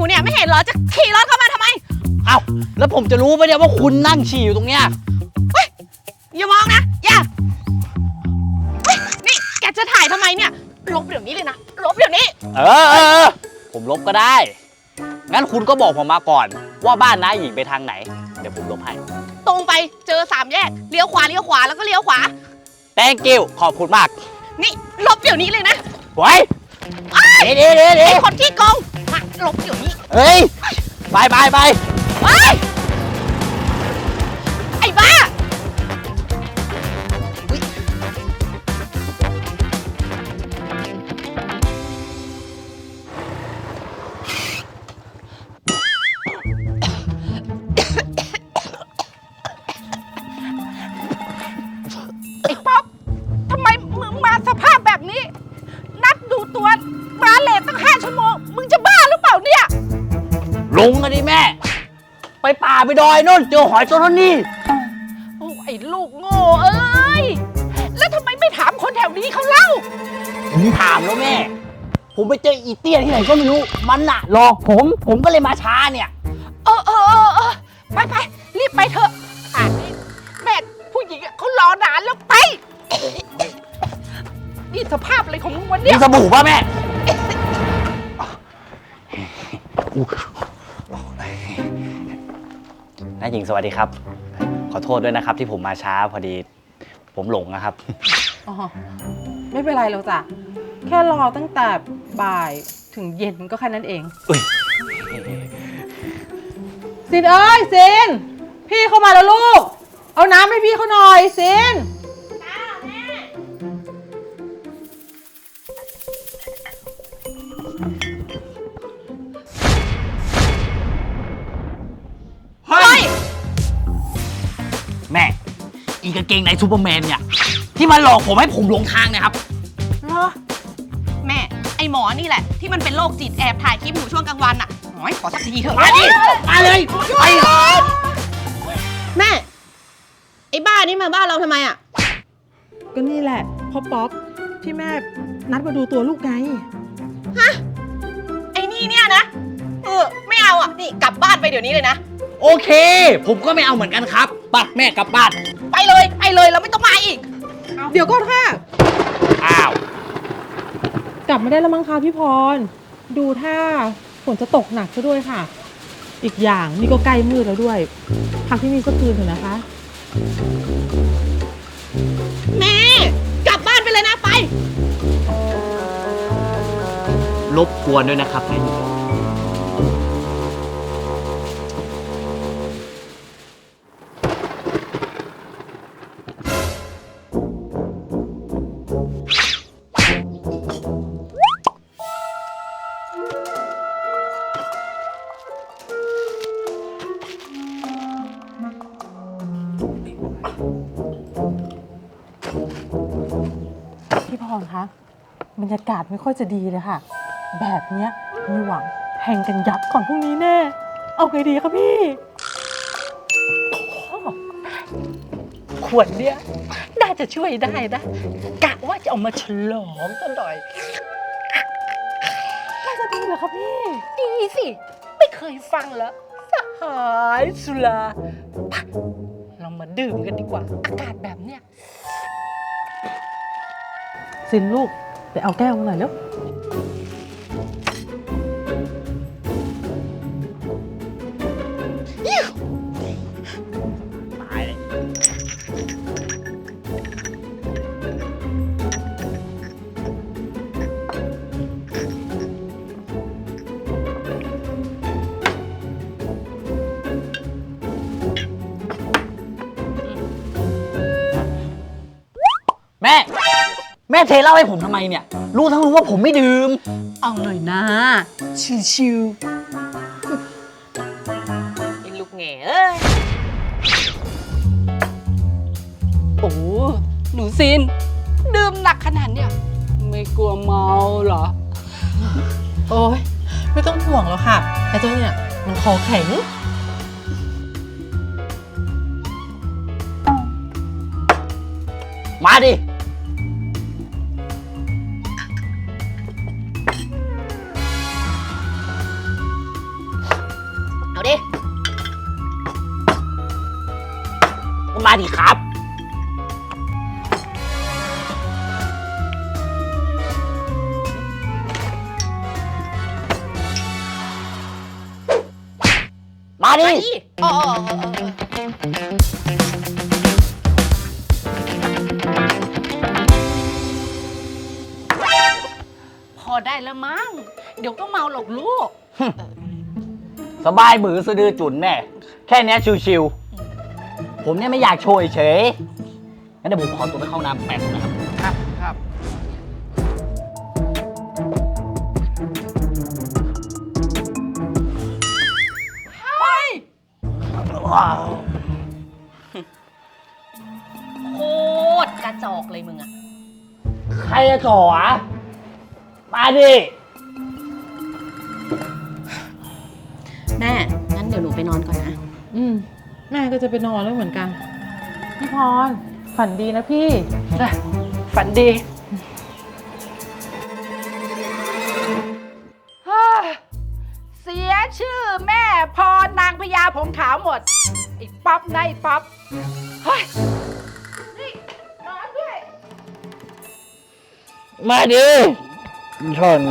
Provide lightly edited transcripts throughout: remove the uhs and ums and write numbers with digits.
เนี่ยไม่เห็นเหรอจะขี่รถเข้ามาทำไมเอ้าแล้วผมจะรู้ไหมเนี่ยว่าคุณนั่งฉี่อยู่ตรงเนี้ยเฮ้ยอย่ามองนะอย่านี่แกจะถ่ายทำไมเนี่ยลบเดี๋ยวนี้เลยนะลบเดี๋ยวนี้ผมลบก็ได้งั้นคุณก็บอกผมมาก่อนว่าบ้านน้าหญิงไปทางไหนเดี๋ยวผมลบให้ตรงไปเจอ3 แยกเลี้ยวขวาแล้วก็เลี้ยวขวา Thank you ขอบคุณมากนี่ลบเดี๋ยวนี้เลยนะไว้เดี๋ยวไอ้คนขี้โกงมาลบเดี๋ยวนี้เฮ้ยไปไอ้บ้าไอ้ป๊อปทำไมมึงมาสภาพแบบนี้นัดดูตัวมาเลทตั้ง5 ชั่วโมงมึงจะบ้าหรือเปล่าเนี่ยลงกันดิแม่ไปป่าไปดอยนู่นเจอหอยตัวนี้โอ้ไอ้ลูกโง่เอ้ยแล้วทำไมไม่ถามคนแถวนี้เขาเล่าผมถามแล้วแม่ผมไปเจออีเตี้ยที่ไหนก็ไม่รู้มันน่ะหลอกผมก็เลยมาช้าเนี่ยไปรีบไปเถอะแม่ผู้หญิงเขารอนานแล้วไปนี่สภาพอะไรของมึงวันนี้มีสบู่ป่ะแม่น้าหญิงสวัสดีครับขอโทษด้วยนะครับที่ผมมาช้าพอดีผมหลงนะครับอ๋อไม่เป็นไรหรอกจ้ะแค่รอตั้งแต่บ่ายถึงเย็นก็แค่นั้นเองซินเอ้ยซินพี่เข้ามาแล้วลูกเอาน้ำให้พี่เขาหน่อยซินเฮ้ยแม่อีกางเกงในซูเปอร์แมนเนี่ยที่มันหลอกผมให้ผมหลงทางนะครับเหรอแม่ไอหมอนี่แหละที่มันเป็นโรคจิตแอบถ่ายคลิปหนูช่วงกลางวันอ่ะขอสักทีเถอะมาดิมาเลยไปแม่ไอ้บ้านี่มาบ้านเราทำไมอ่ะก็นี่แหละพ่อป๊อปที่แม่นัดมาดูตัวลูกไงฮะไอ้นี่เนี่ยนะไม่เอาอ่ะนี่กลับบ้านไปเดี๋ยวนี้เลยนะโอเคผมก็ไม่เอาเหมือนกันครับไปแม่กลับบ้านไปเลยเราไม่ต้องมาอีกเดี๋ยวก็ค่ะอ้าวกลับไม่ได้แล้วมั้งคะพี่พรดูท่าฝนจะตกหนักซะด้วยค่ะอีกอย่างนี่ก็ใกล้มืดแล้วด้วยพักที่นี่ก็คืนเถอะนะคะแม่กลับบ้านไปเลยนะไปรบกวนด้วยนะครับนายหญิงพี่พรคะบรรยากาศไม่ค่อยจะดีเลยค่ะแบบเนี้ยมีหวังแห่งกันยับก่อนพรุ่งนี้แน่เอาไงดีคะพี่ขวดเนี้ยน่าจะช่วยได้นะกะว่าจะเอามาฉลองซะหน่อยน่าจะดีเหรอคะพี่ดีสิไม่เคยฟังแล้วสหายสุราเรามาดื่มกันดีกว่าอากาศแบบเนี้ยซินลูกไปเอาแก้วมาหน่อยแล้วตายเลยแม่เทเหล้าให้ผมทำไมเนี่ยรู้ทั้งรู้ว่าผมไม่ดื่มเอาหน่อยนะชิวๆไอ้ลูกแง่เอ้ยโอ้หนูซินดื่มหนักขนาดเนี้ยไม่กลัวเมาเหรอโอ้ยไม่ต้องห่วงแล้วค่ะไอ้เจ้าเนี่ยมันคอแข็งมาดิมาดิครับ มาดิอ๋อพอได้แล้วมั้ง เดี๋ยวก็เมาหรอกลูกสบายมือสะดือจุนแม่ แค่เนี้ยชิวๆ ผมเนี่ยไม่อยากโชยเฉยงั้นเดี๋ยวผมขอตัวไปเข้าน้ำแป๊บนะครับครับครับว้าวโคตรกระจอกเลยมึงอะใครจะจ่อวะมาดิแม่ งั้นเดี๋ยวหนูไปนอนก่อนนะแม่ก็จะไปนอนแล้วเหมือนกัน พี่พร ฝันดีนะพี่ฝันดีฮ่าเสียชื่อแม่พอนางพญาผมขาวหมดไอ้ป๊อปได้ป๊อปเฮ้ย นี่นอนด้วยมาดิชน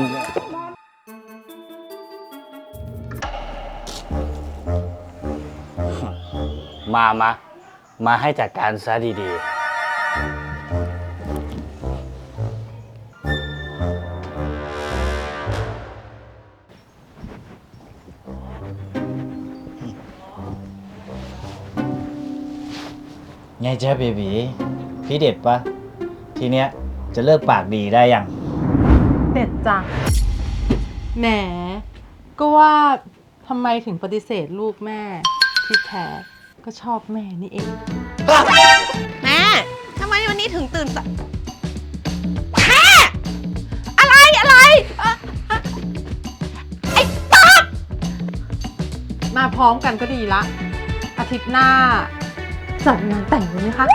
มาให้จัดการซะดีๆ ไงจ๊ะเบบีพี่เด็ดปะทีเนี้ยจะเลิกปากดีได้ยังเด็ดจ้ะแหม ก็ว่าทำไมถึงปฏิเสธลูกแม่ ที่แท้ก็ชอบแม่นี่เองแม่ ทำไมวันนี้ถึงตื่นสายอะไรไอ้ป๊อปมาพร้อมกันก็ดีละ อาทิตย์หน้า จัดงานแต่งเลยไหมคะ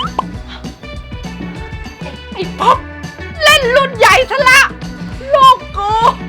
ไอ้ป๊อปเล่นรุ่นใหญ่ซะละลูกกู